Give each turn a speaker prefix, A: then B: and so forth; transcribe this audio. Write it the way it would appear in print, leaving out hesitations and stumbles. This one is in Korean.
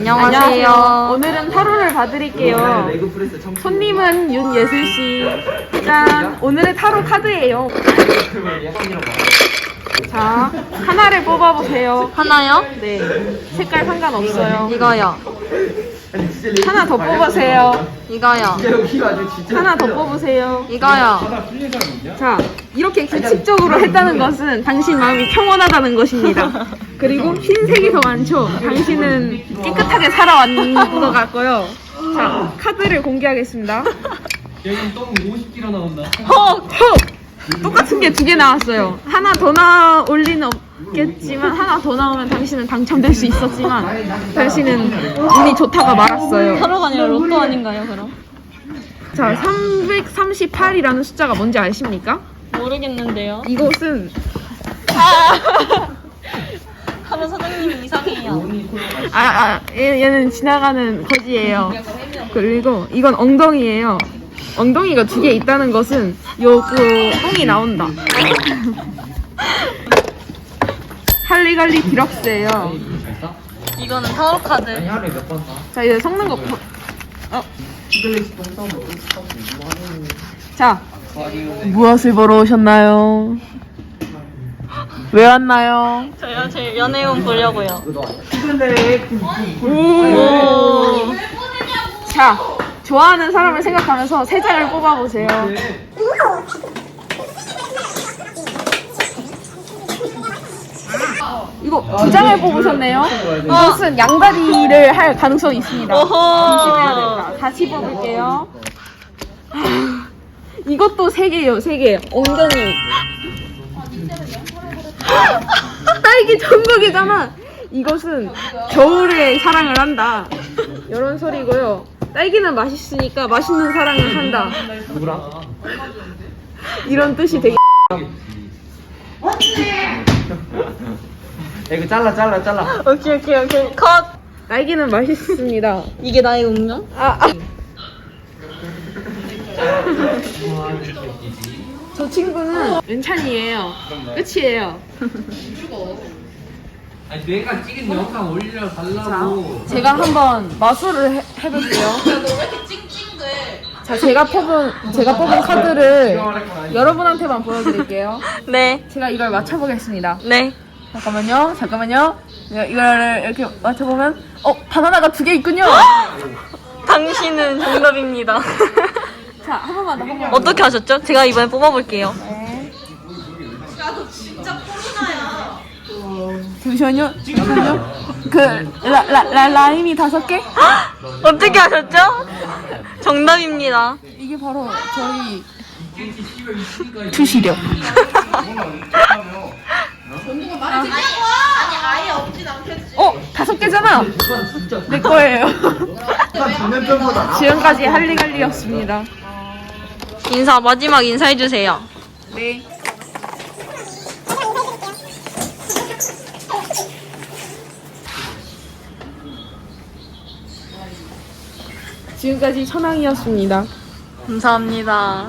A: 안녕하세요.
B: 오늘은 타로를 봐드릴게요. 손님은 윤예슬씨. 짠! 오늘의 타로 카드예요. 자, 하나를 뽑아보세요.
A: 하나요?
B: 네. 색깔 상관없어요.
A: 이거요.
B: 하나 더 뽑으세요.
A: 이거요.
B: 하나 더 뽑으세요.
A: 이거요.
B: 자, 이렇게 규칙적으로 했다는 것은 당신 마음이 평온하다는 것입니다. 그리고 흰색이 더 많죠? 당신은 깨끗하게 살아왔는 것 같고요. 자, 카드를 공개하겠습니다.
C: 여기 똥 50kg 나온다.
B: 헉! 똑같은 게 두 개 나왔어요. 하나 더 나올 리는 없겠지만 하나 더 나오면 당신은 당첨될 수 있었지만 당신은 운이 좋다가 말았어요.
A: 타로가 아니라 로또 아닌가요, 그럼?
B: 자, 338이라는 숫자가 뭔지 아십니까?
A: 모르겠는데요.
B: 이곳은
A: 타로 사장님이 이상해요.
B: 얘는 지나가는 거지예요. 그리고 이건 엉덩이예요. 엉덩이가 두 개 있다는 것은 똥이 나온다. 할리갈리 디럭스예요.
A: 이거는 타로 카드.
C: 하루에 몇 번 사?
B: 자, 이제 섞는 거.
C: 시글리시 똥 싸면 똥 싸고 뭐 하는
B: 자, 무엇을 보러 오셨나요? 왜 왔나요?
A: 저요, 제 연애운 보려고요.
B: 오. 자, 좋아하는 사람을 생각하면서 세 장을 뽑아보세요. 이거 두 장을 뽑으셨네요. 이것은 양다리를 할 가능성이 있습니다. 조심해야 된다. 다시 뽑을게요. 이것도 세 개예요, 세 개. 엉덩이. 딸기 천국이잖아. 이것은 겨울에 사랑을 한다. 이런 소리고요. 딸기는 맛있으니까 맛있는 사랑을 한다.
C: 누구랑?
B: 이런 뜻이 되게.
C: 야, 이거 잘라.
A: 오케이. 컷!
B: 딸기는 맛있습니다.
A: 이게 나의 운명?
B: 저 친구는 은찬이에요. 끝이에요.
C: 아니 내가 찍은 영상 올려
B: 자,
C: 달라고.
B: 제가 한번 마술을 해볼게요. 자, 제가 뽑은 카드를 여러분한테만 보여드릴게요.
A: 네.
B: 제가 이걸 맞춰보겠습니다.
A: 네.
B: 잠깐만요. 이거를 이렇게 맞춰보면, 바나나가 두 개 있군요.
A: 당신은 정답입니다.
B: 자, 한 번만 더.
A: 어떻게 하셨죠? 제가 이번에 뽑아볼게요.
B: 네. 잠시만요. 라임이 5개?
A: 어떻게 하셨죠? 정답입니다.
B: 이게 바로 저희 투시력.
D: 아예 없진 않겠지.
B: 5개잖아. 내 거예요. 지금까지 할리갈리였습니다.
A: 마지막 인사해주세요.
B: 네. 지금까지 천왕이었습니다.
A: 감사합니다.